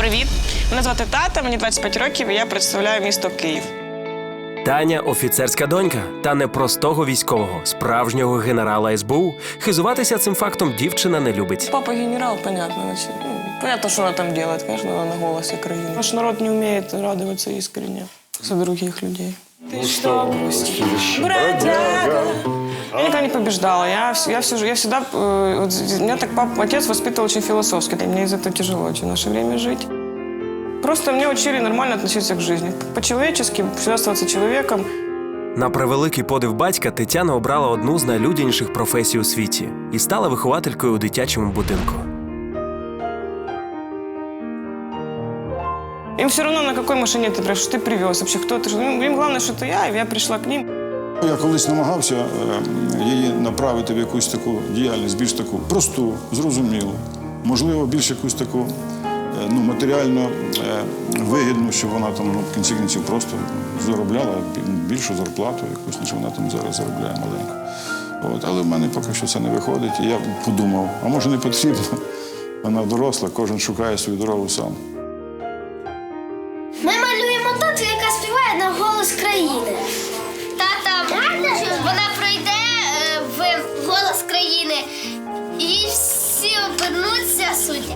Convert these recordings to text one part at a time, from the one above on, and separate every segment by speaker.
Speaker 1: Привіт! Мене звати Тата, мені 25 років і я представляю місто Київ.
Speaker 2: Таня – офіцерська донька, та не простого військового, справжнього генерала СБУ. Хизуватися цим фактом дівчина не любить.
Speaker 1: Папа генерал, понятно. Понятно, что она там делает, конечно, она на голосе краины. Наш народ не умеет радоваться искренне за других людей. Ты что грустишь, бродяга? Я никогда не побеждала. Я всегда... Меня так отец воспитывал очень философски. Для меня из этого тяжело очень в наше время жить. Просто мне учили нормально относиться к жизни. По-человечески, всегда оставаться человеком.
Speaker 2: На превеликий подив батька Тетяна обрала одну з найлюдяніших професій у світі і стала вихователькою у дитячому будинку.
Speaker 1: Им все равно, на какой машине ты приезжаешь, что ты привез, вообще кто ты. Им главное, что это я, и я пришла к ним.
Speaker 3: Я колись намагався її направити в якусь таку діяльність, більш таку просту, зрозумілу. Можливо, більш якусь таку матеріально вигідну, щоб вона там в кінці кінців просто заробляла більшу зарплату якусь, ніж вона там зараз заробляє маленьку. Але в мене поки що це не виходить. І я подумав, а може не потрібно? Вона доросла, кожен шукає свою дорогу сам.
Speaker 4: Ми малюємо тату, яка співає на голос країни. Тата, вона пройде в голос країни і всі обернуться суддя.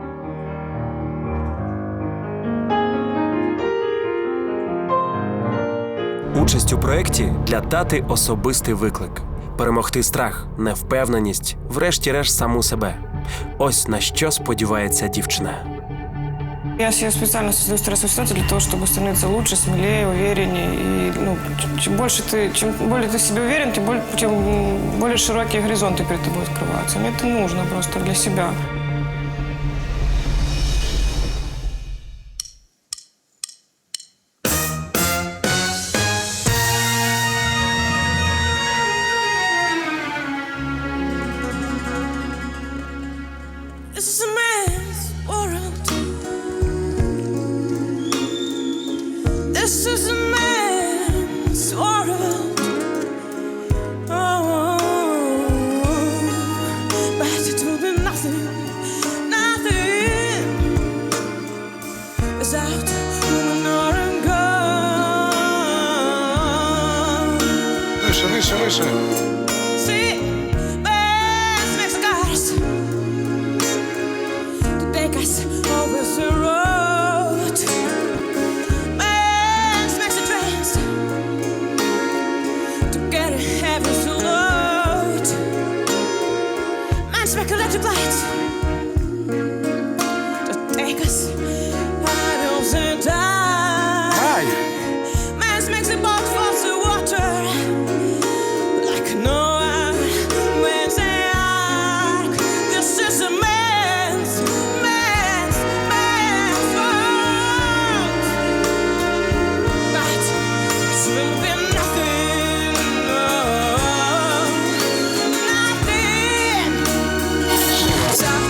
Speaker 2: Участь у проєкті для тати – особистий виклик. Перемогти страх, невпевненість, врешті-решт саму себе. Ось на що сподівається дівчина.
Speaker 1: Я себе специально создаю стрессовую ситуацию для того, чтобы становиться лучше, смелее, увереннее. И чем более ты в себе уверен, тем более широкие горизонты перед тобой открываются. Мне это нужно просто для себя.
Speaker 5: This is a man's world. This is a man's world. Oh, but it will be nothing without woman or God.
Speaker 3: Вище, вище, вище.
Speaker 5: See, man's makes the gods to take us over the road. Man's makes the trains to get a heavy load. Man's make electric lights to take us out of the dark. Man's makes the boat fall to water like Noah when they ark. This is a man's world. But it will be nothing, nothing without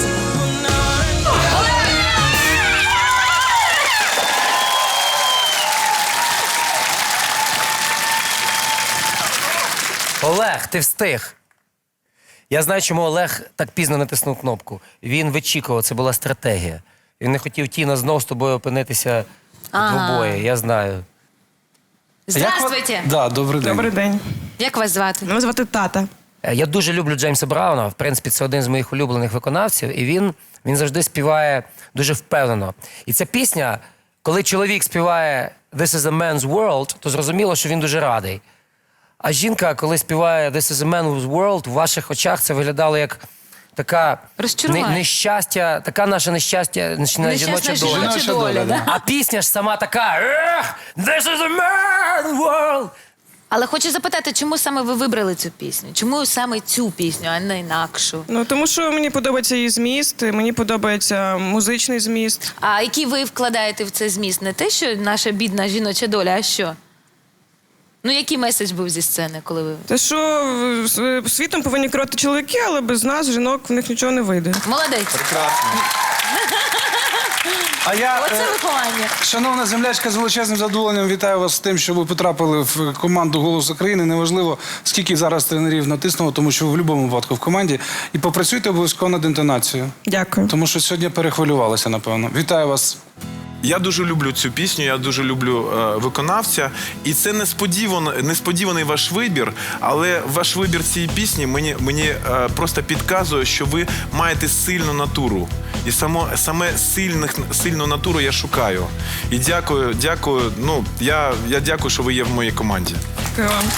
Speaker 6: Олег, ти встиг. Я знаю, чому Олег так пізно натиснув кнопку. Він вичікував, це була стратегія. Він не хотів Тіна знов з тобою опинитися в обоє, я знаю.
Speaker 7: Здравствуйте!
Speaker 8: Да, добрий день.
Speaker 1: Добрий день.
Speaker 7: Як вас звати?
Speaker 1: Мене звати Тата.
Speaker 6: Я дуже люблю Джеймса Брауна, в принципі, це один з моїх улюблених виконавців, і він завжди співає дуже впевнено. І ця пісня, коли чоловік співає «This is a man's world», то зрозуміло, що він дуже радий. А жінка, коли співає «This is a man's world», в ваших очах це виглядало як така нещастя, така наше нещастя, жіноча доля.
Speaker 7: Да?
Speaker 6: А пісня ж сама така «This is a man's world».
Speaker 7: Але хочу запитати, чому саме ви вибрали цю пісню? Чому саме цю пісню, а не інакшу?
Speaker 1: Тому що мені подобається її зміст, мені подобається музичний зміст.
Speaker 7: А який ви вкладаєте в цей зміст? Не те, що наша бідна жіноча доля, а що? Ну, який меседж був зі сцени, коли ви...
Speaker 1: Те, що світом повинні керувати чоловіки, але без нас, жінок, в них нічого не вийде.
Speaker 7: Молодець.
Speaker 8: Прекрасно. А я,
Speaker 7: Оце виховання.
Speaker 8: шановна землячка, з величезним задоволенням вітаю вас з тим, що ви потрапили в команду «Голос України». Неважливо, скільки зараз тренерів натиснуло, тому що ви в будь-якому випадку в команді. І попрацюйте обов'язково над інтонацією.
Speaker 1: Дякую.
Speaker 8: Тому що сьогодні перехвилювалися, напевно. Вітаю вас.
Speaker 9: Я дуже люблю цю пісню, я дуже люблю виконавця. І це несподіваний ваш вибір, але ваш вибір цієї пісні мені просто підказує, що ви маєте сильну натуру. І саме сильну натуру я шукаю. І дякую. Ну, я дякую, що ви є в моїй команді.
Speaker 1: Дякую вам.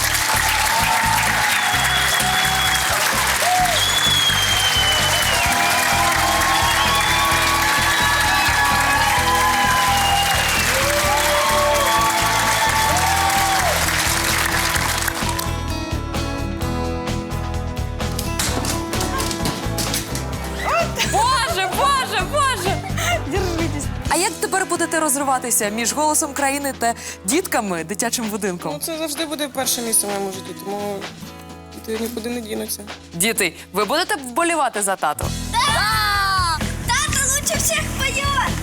Speaker 10: Боже, боже, боже! Держитесь. А як тепер будете розриватися між «Голосом країни» та дітками дитячим будинком?
Speaker 1: Ну, це завжди буде перше місце в моєму житті, тому діти нікуди не дінуться.
Speaker 10: Діти, ви будете вболівати за тату?
Speaker 4: Да! Тата лучше всех поет!